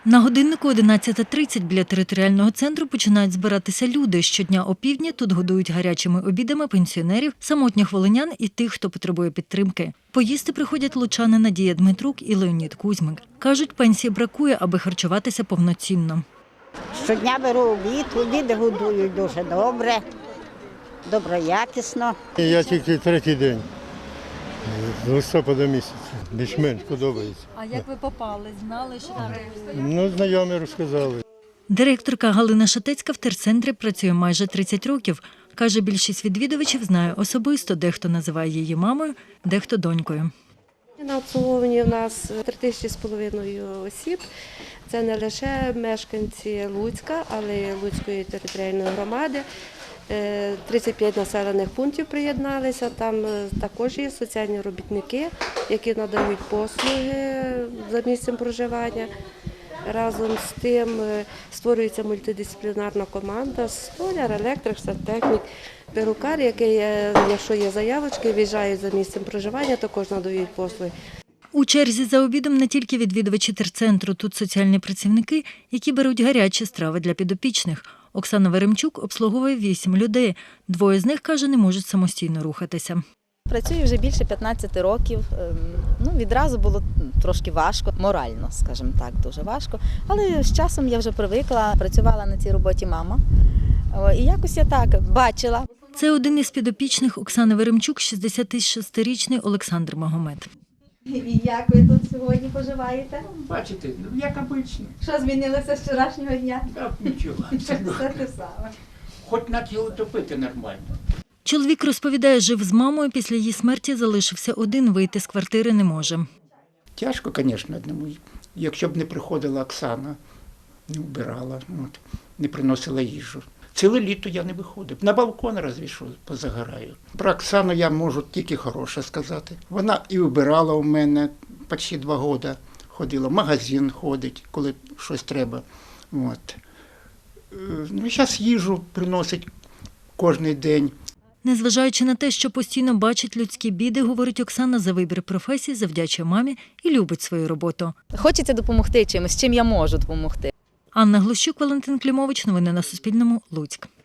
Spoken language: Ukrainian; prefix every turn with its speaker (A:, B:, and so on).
A: На годиннику 11:30 біля територіального центру починають збиратися люди. Щодня опівдні тут годують гарячими обідами пенсіонерів, самотніх волинян і тих, хто потребує підтримки. Поїсти приходять лучани Надія Дмитрук і Леонід Кузьмик. Кажуть, пенсії бракує, аби харчуватися повноцінно.
B: Щодня беру обід, обіди годують дуже добре, доброякісно.
C: Я тільки третій день, з листопада місяця, більш-менш подобається.
A: А як ви попали? Знали, що там?
C: Знайомі розказали.
A: Директорка Галина Шатецька в терцентрі працює майже 30 років. Каже, більшість відвідувачів знає особисто, дехто називає її мамою, дехто донькою.
D: На обслуговуванні в нас 3500 осіб. Це не лише мешканці Луцька, але й Луцької територіальної громади. 35 населених пунктів приєдналися. Там також є соціальні робітники, які надають послуги за місцем проживання. Разом з тим створюється мультидисциплінарна команда: столяр, електрик, сантехнік, перукар, який, якщо є заявочки, в'їжджають за місцем проживання, також надають послуги.
A: У черзі за обідом не тільки відвідувачі терцентру, тут соціальні працівники, які беруть гарячі страви для підопічних. Оксана Веремчук обслуговує 8 людей. Двоє з них, каже, не можуть самостійно рухатися.
E: Працюю вже більше 15 років. Відразу було трошки важко, морально, скажімо так, дуже важко. Але з часом я вже привикла, працювала на цій роботі мама. І якось я так бачила.
A: Це один із підопічних Оксани Веремчук, 66-річний Олександр Магомед.
E: І як ви тут сьогодні поживаєте?
F: Бачите, як обично.
E: Що змінилося з вчорашнього дня?
F: Так, нічого.
E: Все те саме.
F: Хоч на тіло топити нормально.
A: Чоловік розповідає, жив з мамою, після її смерті залишився один, вийти з квартири не може.
F: Тяжко, звісно, одному. Якщо б не приходила Оксана, не вбирала, не приносила їжу. Ціле літо я не виходив. На балкон разві що позагораю. Про Оксану я можу тільки хороше сказати. Вона і вбирала у мене почти 2 роки. Ходила, в магазин ходить, коли щось треба. Зараз їжу приносить кожен день.
A: Незважаючи на те, що постійно бачить людські біди, говорить Оксана, за вибір професії завдячує мамі і любить свою роботу.
E: Хочеться допомогти чимось, чим я можу допомогти.
A: Анна Глущук, Валентин Клімович. Новини на Суспільному. Луцьк.